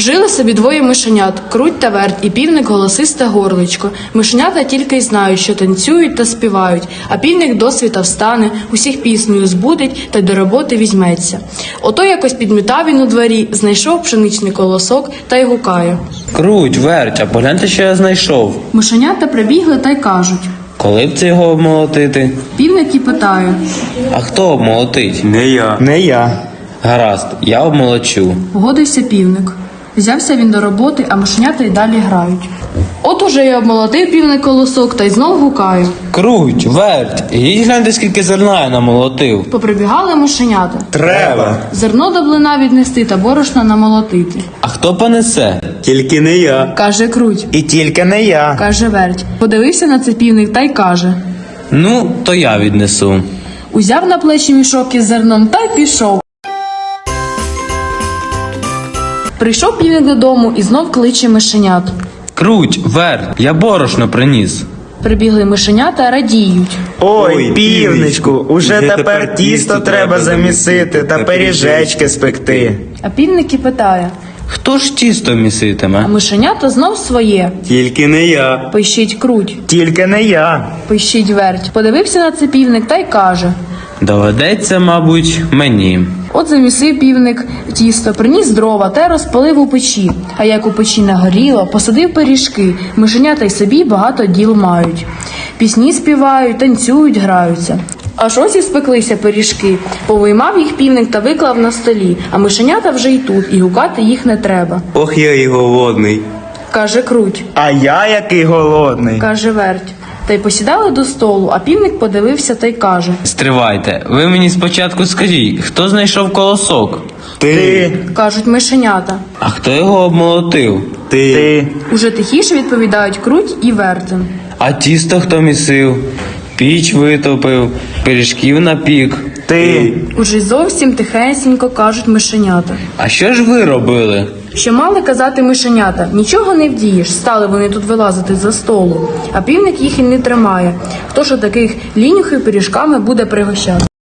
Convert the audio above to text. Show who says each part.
Speaker 1: Жили собі двоє мишенят – Круть та Верть, і півник голосисте горличко. Мишенята тільки й знають, що танцюють та співають, а півник досвіта встане, усіх піснею збудить та й до роботи візьметься. Ото якось підмітав він у дворі, знайшов пшеничний колосок та й гукає.
Speaker 2: Круть, Верть, а погляньте, що я знайшов.
Speaker 1: Мишенята прибігли та й кажуть.
Speaker 2: Коли б це його обмолотити?
Speaker 1: Півник і питає.
Speaker 2: А хто обмолотить?
Speaker 3: Не я.
Speaker 2: Гаразд, я обмолочу.
Speaker 1: Погодився півник. Взявся він до роботи, а мишенята й далі грають. От уже й обмолотив півник колосок та й знов гукає.
Speaker 2: Круть, Верть, ідіть гляньте, скільки зерна я намолотив.
Speaker 1: Поприбігали мишенята.
Speaker 3: Треба.
Speaker 1: Зерно до блина віднести та борошна намолотити.
Speaker 2: А хто понесе?
Speaker 3: Тільки не я.
Speaker 1: Каже Круть.
Speaker 3: І тільки не я.
Speaker 1: Каже Верть. Подивився на це півник та й каже.
Speaker 2: Ну, то я віднесу.
Speaker 1: Узяв на плечі мішок із зерном та й пішов. Прийшов півник додому і знов кличе мишенят.
Speaker 2: Круть, Верть, я борошно приніс.
Speaker 1: Прибігли мишенята, радіють.
Speaker 3: Ой, півничку, уже тепер тісто треба замісити та пиріжечки спекти.
Speaker 1: А півник і питає.
Speaker 2: Хто ж тісто
Speaker 1: А
Speaker 2: міситиме?
Speaker 1: мишенята знов своє.
Speaker 3: Тільки не я.
Speaker 1: Пищить Круть.
Speaker 3: Тільки не я.
Speaker 1: Пищить Верть. Подивився на це півник та й каже.
Speaker 2: Доведеться, мабуть, мені.
Speaker 1: От замісив півник тісто, приніс дрова та й розпалив у печі. А як у печі нагоріло, посадив пиріжки. Мишенята й собі багато діл мають. Пісні співають, танцюють, граються. Аж ось і спеклися пиріжки. Повиймав їх півник та виклав на столі. А мишенята вже й тут, і гукати їх не треба.
Speaker 3: Ох, я і голодний.
Speaker 1: Каже Круть.
Speaker 3: А я який голодний.
Speaker 1: Каже Верть. Та й посідали до столу, а півник подивився та й каже.
Speaker 2: Стривайте, ви мені спочатку скажіть, хто знайшов колосок?
Speaker 3: Ти.
Speaker 1: Кажуть мишенята.
Speaker 2: А хто його обмолотив?
Speaker 3: Ти.
Speaker 1: Уже тихіше відповідають Круть і Вертин.
Speaker 2: А тісто хто місив? Піч витопив, пиріжків напік.
Speaker 3: Ти.
Speaker 1: Уже й зовсім тихесенько кажуть мишенята.
Speaker 2: А що ж ви робили?
Speaker 1: Що мали казати мишенята? Нічого не вдієш, стали вони тут вилазити за столу. А півник їх і не тримає. Хто ж таких лінюхів пиріжками буде пригощати?